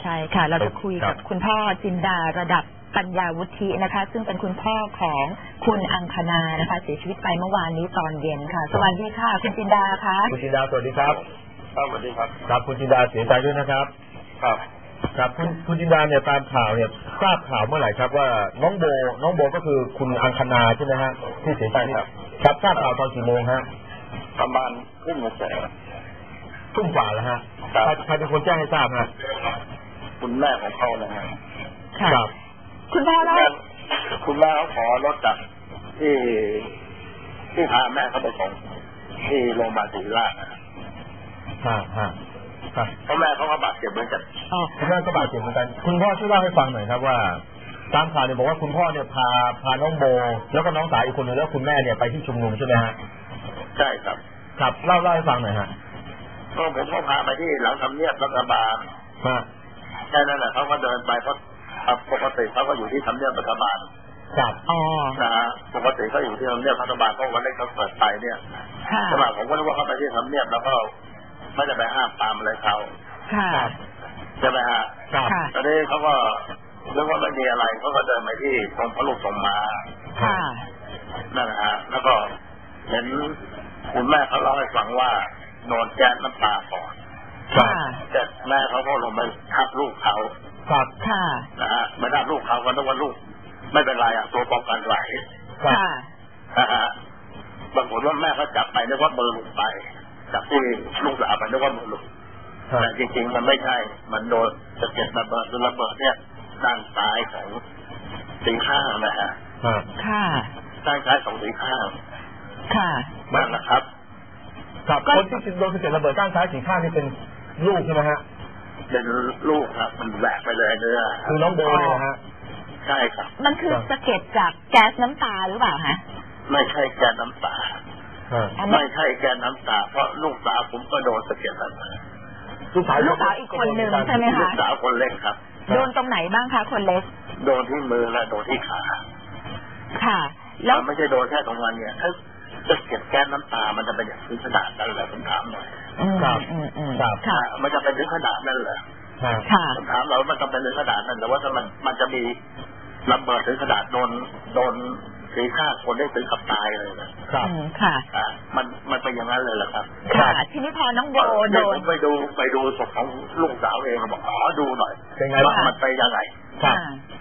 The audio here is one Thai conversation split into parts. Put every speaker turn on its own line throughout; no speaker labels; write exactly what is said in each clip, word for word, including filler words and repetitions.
ใช่ค่ะเราจะคุยกับคุณพ่อจินดาระดับปัญญาวุฒินะคะซึ่งเป็นคุณพ่อของคุณอังคณานะคะเสียชีวิตไปเมื่อวานนี้ตอนเย็นค่ะสวัสดีค่ะคุณจินดาคะ
คุณจินดาสวัสดีครับ
ครับสวัสดีครับ
ครับคุณจินดาเสียใจด้วยนะครับ
ครับ
ครับคุณคุณจินดาเนี่ยตามข่าวเนี่ยทราบข่าวเมื่อไหร่ครับว่าน้องโบน้องโบก็คือคุณอังคณาใช่ไหมฮะที่เสียใจครับครับทราบข่าวตอนกี่โมงฮะ
ประมาณทุ่มเศษ
ทุ่มกว่าแล้วฮะใครเป็นคนแจ้งให้ทราบฮะ
คุณแม่ของเขานะฮะ
ครับ
คุณพ่อแล้ว
คุณแม่เขาขอรถจากที่ที่พาแม่เขาไปส่งที่โรงพยาบาลศรีราชนะ
ฮะฮะครับ
เพราะแม่เขาก็บาดเจ็บเหมือนกัน
อ๋อคุณแม่ก็บาดเจ็บเหมือนกันคุณพ่อช่วยเล่าให้ฟังหน่อยครับว่าตามข่าวเนี่ยบอกว่าคุณพ่อเนี่ยพาพาน้องโบแล้วก็น้องสาวอีกคนนึงแล้วคุณแม่เนี่ยไปที่ชุมนุมใช่ไหมฮะ
ใช่ครับ
ครับเล่าเล่าให้ฟังหน่อยฮะ
ก็ผมก็พาไปที่หลังทำเนียบรัฐบาล
มา
แค่นั้นแหละเขาก็เดินไปเพราะปกติเขาก็อยู่ที่ทำเนียบรัฐบาล
ครับ
อ๋อ
นะฮะปกติเขาอยู่ที่ทำเนียบรัฐบาลเพราะวันแรกเขาเปิดไปเนี่ยสมัยผมก็รู้ว่าเขาไปที่ทำเนียบแล้วก็ไม่จะไปห้ามตามอะไรเขาใช่ไหมฮะตอนนี้เขาก็เรื่องว่าไม่มีอะไรเขาก็เดินไปที่ตรงพระลูกทรงมานั่นแหละฮะแล้วก็เห็นคุณแม่เขาเล่าให้ฟังว่าโดนแก๊สน้ำตาก่อนแต่แม่เขาก็ลงไปทับลูกเขา
ครับ
นะฮะไม่ทับลูกเขาก็นึกว่าลูกไม่เป็นไรอ่ะตัวป้องกันไหวนะฮะบางคนว่าแม่เขาจับไปนึกว่าเบอร์หลุดไปจับที่ลูกสาวไปนึกว่าเบอร์หลุดแต่จริงๆมันไม่ใช่มันโดนสะเก็ดระเบิดระเบิดเนี่ยด้านซ้ายของสีข้างนะฮะ
ค่ะ
ด้านซ้ายของสีข้าง
ค่ะ
นั่นแหละครับ
กับคนที่โดนสะเก็ดระเบิดด้านซ้ายสีข้างนี่เป็นลูกใช่ไหมฮะ
เป็นลูกครับมันแหวกไปเลยเนื้อ
คือน้องโบนะฮะ
ใช่ครับ
มันคือสะเก็ดจากแก๊สน้ำตาหรือเปล่าฮะ
ไม่ใช่แก๊สน้ำตาไม่ใช่แก๊สน้ำตาเพราะลูกสาวผมก็โดนสะเก็ดระเบิด
ลูกสาว
ลูกสาวอีกคนหนึ่งใช่ไหมคะ
ลูกสาวคนเล็กครับ
โดนตรงไหนบ้างคะคนเล็ก
โดนที่มือและโดนที่ขา
ค่ะแล้ว
ไม่ใช่โดนแค่ตรงนั้นเนี่ยถ้าจะเก็บแก๊สน้ำตามันจะเป็นอย่างถึงขนาดนั้นเหรอผมถามหน่อย
ครับ
ครับมันจะเป็นถึงขนาดนั้นเหรอผมถามเรามันจะเป็นถึงขนาดนั้นแต่ว่าถ้ามันมันจะมีระเบิดถึงขนาดโดนโดนสีข้างคนได้ถึงกับตายเลยนะครับ
ค่ะ
มันมันเป็นอย่างนั้นเลยเหรอครับ
ค่ะทีนี้พอน้องโบโดน
ไปดูไปดูศพของลูกสาวเองบอกขอดูหน่อยว่ามันไปยังไง
ค่ะ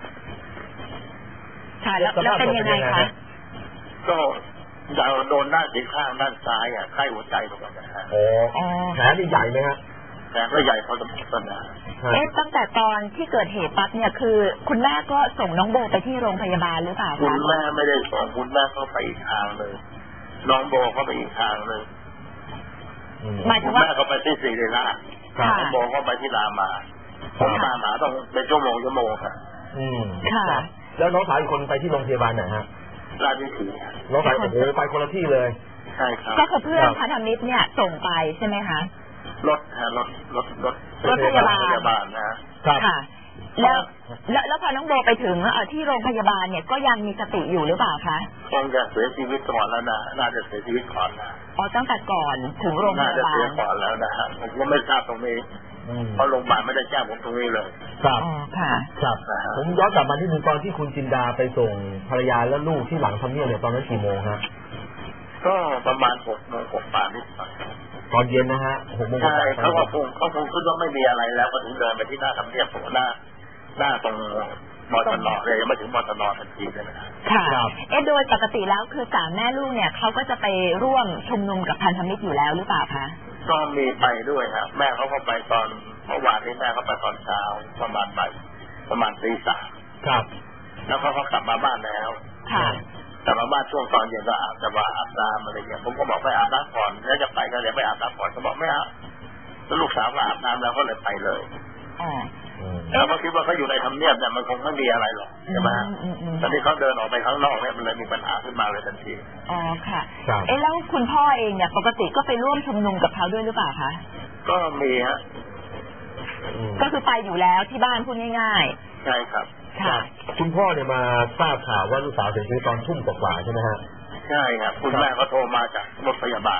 ค่ะแล้วเป็นยังไงคะ
ก็จะโดนด้านสีข้างด้านซ้ายอ่ะใกล้หัวใจตรงนั้นนะฮะ
โอ้แผลนี่ใหญ่ไหมฮะ
แผลก็ใหญ่พอสมควรนะ
เอ๊ะตั้งแต่ตอนที่เกิดเหตุปั๊บเนี่ยคือคุณแม่ก็ส่งน้องโบไปที่โรงพยาบาลหรือเปล่าคะ
คุณแม่ไม่ได้ส่งคุณแม่เข้าไปอีกทางเลยน้องโบเข้าไปอีกทางเลย
หมายถึงว่า
แม่เขาไปที่ศรีราชน้องโบเข้าไปที่รามาผมตามหาต้องเป็นชั่วโมงชั่วโมงค่ะ
อืมค่ะแล้วน้องสาวอีกคนไปที่โรงพยาบาลไหนฮะ
ราชวิถี
น้องสาวโอ้โหไปคนละที่เลย
ใช่ครับ
ก็คือเพื่อนพันธมิตรเนี่ยส่งไปใช่ไหมคะ
รถฮะรถรถรถ
รถพยาบาล
พยาบาลนะ
ค่ะแล้วแล้วแล้วพอน้องโบไปถึงที่โรงพยาบาลเนี่ยก็ยังมีสติอยู่หรือเปล่าคะ
คงจะเสียชีวิตก่อนแล้วนะน่าจะเสียชีวิตก่อนนะ
อ๋อตั้งแต่ก่อนถึงโรงพยาบาลน่าจะ
เสียก่อนแล้วนะฮะผมก็ไม่ทราบตรงนี้เพราะโรงพยาบาลไม่ได้แจ้งผมตรงนี้เลย
ครับ
ค่ะ
ครับผมย้อนกลับมาที่นึงตอนที่คุณจินดาไปส่งภรรยาและลูกที่หลังทำเนียบเนี่ยตอนนั้นกี่โมงฮะ
ก็ประมาณหกโมงกว่านิดหน่อย
ตอนเย็นนะฮะหกโมง
ใช่เขาก็คงเขาคงคิดว่าไม่มีอะไรแล้วก็ถึงเดินไปที่หน้าทำเนียบตรงหน้าหน้าตรงมอตนอเลยยังไม่ถึงมอตนอทันทีเลยนะ
ค่ะเอ๊ะโดยปกติแล้วคือสามแม่ลูกเนี่ยเขาก็จะไปร่วมชุมนุมกับพันธมิตรอยู่แล้วหรือเปล่าคะ
ก็มีไปด้วยครับแม่เขาก็ไปตอนเมื่อวานนี้แม่เขาไปตอนเช้าประมาณบ่ายประมาณตีสาม
ครับ
แล้วเขาเขากลับมาบ้านแล้ว
ค่ะ
กลับมาบ้านช่วงตอนเย็นก็อาบจะมาอาบน้ำอะไรเงี้ยผมก็บอกไปอาบน้ำก่อนแล้วจะไปก็เลยไปอาบน้ำก่อนเขาบอกไม่อาบแล้วลูกสาวก็อาบน้ำแล้วก็เลยไปเลย
อ๋อ
แล้วเขาคิดว่าเขาอยู่ในทำเนียบเนี่ยมันคงไม่มีอะไรหรอกใช่ไหมตอนนี้เขาเดินออกไปข้างนอกเนี่ยมันเลยมีปัญหาขึ้นมาเลยทันที
อ๋อค่ะเอ๊ะแล้วคุณพ่อเองเนี่ยปกติก็ไปร่วมชุมนุมกับเขาด้วยหรือเปล่าคะ
ก็มีฮะ
ก็คือไปอยู่แล้วที่บ้านพูดง่าย
ๆใช่ครับ
ค่ะ
คุณพ่อเนี่ยมาทราบข่าวว่าลูกสาวเสียชีวิตตอนทุ่มกว่าใช่ไหมฮะ
ใช่ครับคุณแม่เขาโทรมาจากรถพยาบาลครับ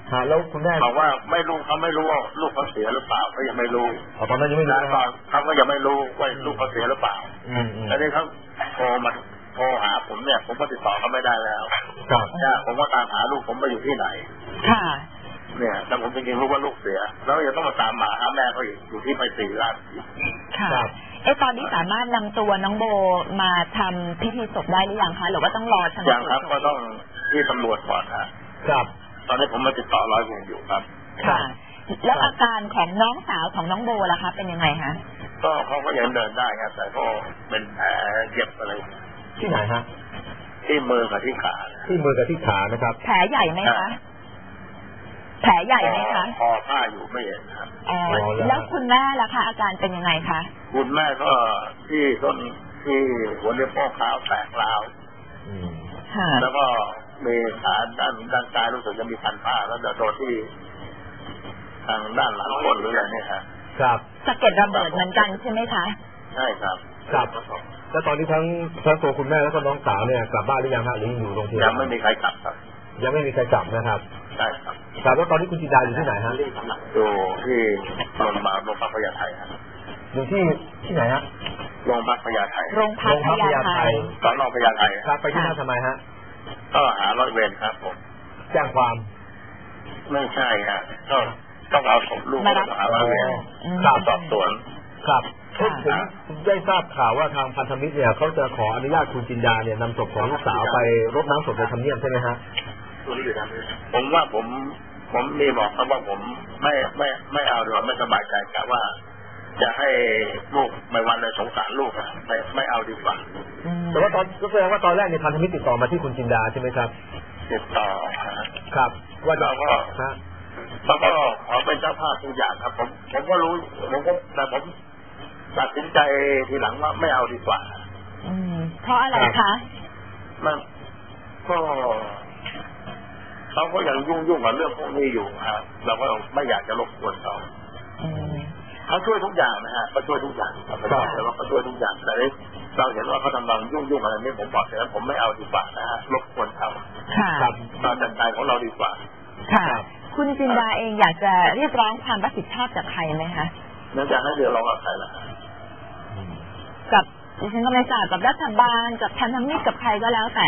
ฮะแล้วคุณแม่
บอกว่าไม่รู้เขาไม่รู้ว่าลูกเขาเสียหรือเปล่าเขายังไม่รู้
ตอนนั้นยังไม่รู้
ตอนเขาก็ยังไม่รู้ว่าลูกเขาเสียหรือเปล่าแล้วนี่เขาโทรมาโทรหาผมเนี่ยผมก็ติดต่อเขาไม่ได้แล้ว
ครับ
ผมก็ตามหาลูกผมไปอยู่ที่ไหน
ค่ะ
เนี่ยแต่ผมจริงๆรู้ว่าลูกเสียแล้วยังต้องมาตามหาหาแม่เขาอีกอยู่ที่ไปสี่ราช
ค่ะเอ๊ะตอนนี้สามารถนำตัวน้องโบมาทำพิธีศพได้หรือยังคะหรือว่าต้องรอชันสูตร
ยังครับก็ต้องที่ตำรวจก่อน
ครับ
ตอนนี้ผมมาติดต่อร้อยเวรอยู่ครับ
ค่ะแล้วอาการของน้องสาวของน้องโบล่ะคะเป็นยังไงคะ
ก็เขาก็ยังเดินได้ครับแต่ก็เป็นแผลเย็บอะไร
ที่ไหนฮะ
ที่มือกับที่ขา
ที่มือกับที่ขานะครับ
แผลใหญ่ไหมคะแผลใหญ่ไหมคะ
คอผ้าอยู่ไม่เห็นครับ
อ๋อแล้วคุณแม่ล่ะคะอาการเป็นยังไงคะ
คุณแม่ก็ที่ต้นที่หัวเรียบโป้งขาวแตกร้าวแล้วก็มีขาด้านด้านซ้ายรู้สึกจะมีพันผ้าแล้วโดนที่ทางด้านหลังก้นหรืออะไรเนี่ยครับ
ครับ
สะเก็ดระเบิดเหมือนกันใช่ไหมคะ
ใช่ครับ
ครับแล้วตอนนี้ทั้งทั้งตัวคุณแม่แล้วก็น้องสาวเนี่ยกลับบ้านหรือยังฮะหรืออยู่โรงพยาบาล
ยังไม่มีใครกลับครับ
ยังไม่มีใครกลับนะครับ
ใช่ครับ
ครับแล้วตอนนี้คุณจินดาอยู่ที่ไหนฮะ
อยู่ที่โรงพยาบาลโรงพยาบาลพญาไทครับ
อยู่ที่ที่ไหนฮะ
โรงพยาบาลพญาไท
โรงพยาบาลพญาไท
ตอนโรงพยาบาลพญาไท
ครับไปที่นั่นทำไมฮะ
ก็หาร้อยเวรครับผม
แจ้งความ
ไม่ใช่ฮะก็ต้องเอาศพลูกมาหาร้อยเวร
ครับ
สอบสวน
ครับผมได้ทราบข่าวว่าทางพันธมิตรเนี่ยเขาจะขออนุญาตคุณจินดาเนี่ยนำศพของลูกสาวไปรดน้ำศพในทำเนียบใช่ไหมฮะ
ผมว่าผมผมมีบอกเขาว่าผมไม่ไม่ไม่เอาหรือไม่สบายใจกะว่าจะให้ลูกไม่วันเลยสงสารลูกอะไม่ไม่เอาดีกว่า
แต่ว่าตอนก็แสดงว่าตอนแรกในพันธมิตรติดต่อมาที่คุณจินดาใช่ไหมครับ
ติดต่อ
ครับว่า
เราก็เราก็ขอเป็นเจ้าภาพทุกอย่างครับผมผมก็รู้ผมก็แต่ผมตัดสินใจทีหลังว่าไม่เอาดีกว่า
อืมเพราะอะไรคะ
มันก็เขาก็ยังยุ่งยุ่งกับเรื่องพวกนี้อยู่ฮะเราก็ไม่อยากจะรบกวนเขาเขาช่วยทุกอย่างนะฮะเขาช่วยทุกอย่างเราไม่ได้แต่ว่าเขาช่วยทุกอย่างแต่เราเห็นว่าเขากำลังยุ่งยุ่งอะไรนี่ผมบอกแต่ผมไม่เอาดีกว่านะฮะรบกวนเขา
ครับ
เราจัดการของเราดีกว่า
ค่ะคุณจินดาเองอยากจะเรียกร้องความรับผิดชอบจากใครไหมคะ
นั่นจะให้เดี๋ยวเรากับใครล่ะ
กับดิฉันก็ไม่ทราบกับรัฐบาลกับพันธมิตรกับใครก็แล้วแต่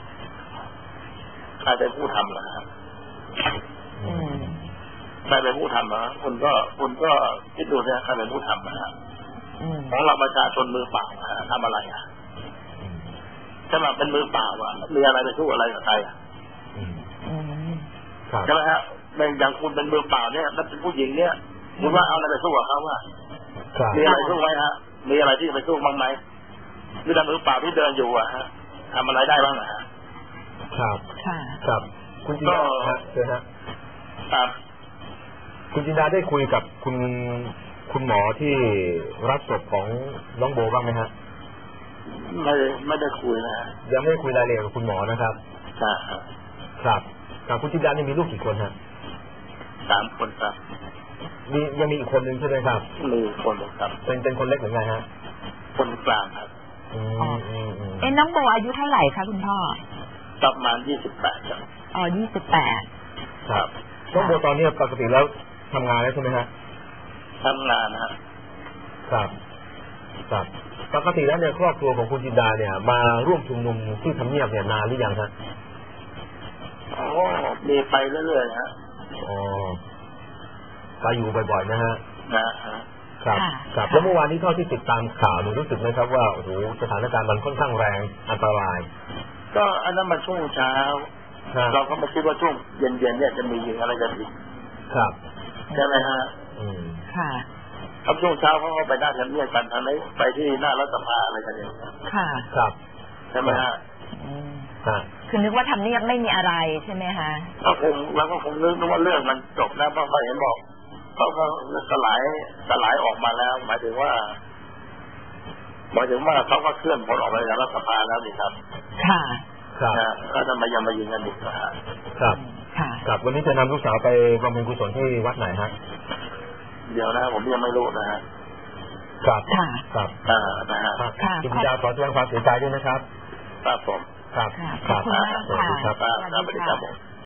ใครเป็นผู้ทำล่ะครับใครเป็นผู้ทำนะคุณก็คุณก็คิดดูนะใครเป็นผู้ทำนะฮะของเราประชาชนมือเปล่าทำอะไรอ่ะถ้ามาเป็นมือเปล่าอ่ะมีอะไรไปสู้อะไรกับใครอ่ะใช่ไหมฮะอย่างคุณเป็นมือเปล่าเนี่ยแล้วเป็นผู้หญิงเนี่ยคุณว่าเอาอะไรไปสู้กับเขาว่ามีอะไรสู้ไหมฮะมีอะไรที่ไปสู้บ้างไหมมีแต่มือเปล่าที่เดินอยู่อ่ะฮะทำอะไรได้บ้างอ่ะ
ครับครับคุณจินดาเชิญฮะ
ครับ
คุณจินดาได้คุยกับคุณคุณหมอที่รับศพของน้องโบบ้างไหมฮะ
ไม่ไม่ได้คุยนะ
ยังไม่ได้คุยรายละเอียดกับคุณหมอนะครับ
ครับ
ครับครับคุณจินดานี่มีลูกกี่คนฮะ
สามคนครับ
มียังมีอีกคนนึงใช่ไหมครับ
มีคนครับ
เป็นเป็นคนเล็กหรือไงฮะ
คนกลางครับ
อืมอืมอืม
เอ็นน้องโบอายุเท่าไหร่คะคุณพ่อ
ประมาณยี่สิบแปดครับ
อ๋อยี่สิบแปด
ครับน้องโบตอนนี้ปกติแล้วทำงานแล้วใช่ไหมฮะ
ทำงานนะ
ครับครับปกติแล้วเนี่ยครอบครัวของคุณจินดาเนี่ยมาร่วมชุมนุมที่ทำเนียบเนี่ยนานหรือยังฮะ
อ๋อมีไปเรื่อยๆฮะ
อ๋อไปอยู่บ่อยๆนะฮะ
นะฮะ
ครับครับแล้วเมื่อวานนี้เท่าที่ติดตามข่าวหนูรู้สึกไหมครับว่าโอ้โหสถานการณ์มันค่อนข้างแรงอันตราย
ก็อันนั้นมันช่วงเช้าเราก็ไม่คิดว่าช่วงเย็นๆเนี่ยจะมีอะไรกันอีก
ครับ
ใช่ไหมฮะ
อืม
ค่ะ
ครับช่วงเช้าเขาก็ไปหน้าทำเนียบกันทางไหนไปที่หน้ารัฐสภาอะไรกันอย่าง
ค่ะ
ครับ
ใช่ไหมฮะ
คือนึกว่าทำเนียบไม่มีอะไรใช่ไหมฮะ
ก็คงแล้วก็คงนึกว่าเรื่องมันจบแล้วเพราะเขาเห็นบอกเขาก็สลายสลายออกมาแล้วหมายถึงว่าหมายถึงว่าเขาก็เคลื่อนผลออกไปจากรัฐสภาแล้วนี่ครับ
ค่ะ
ครับ
แล้วทำไมยังมายิงกันอีกนะฮะ
ครับครับวันนี้จะนำลูกสาวไปบำเพ็ญกุศลที่วัดไหนฮะ
เดี๋ยวนะผมยังไม่รู้นะฮะ
ครับครับ
อ่านะฮะ
คุณจินดาขอแสดงความเสียใจด้วยนะครับ
ครับผม
ครับ
ขอบคุณมากค่ะ
สวัสดีครับ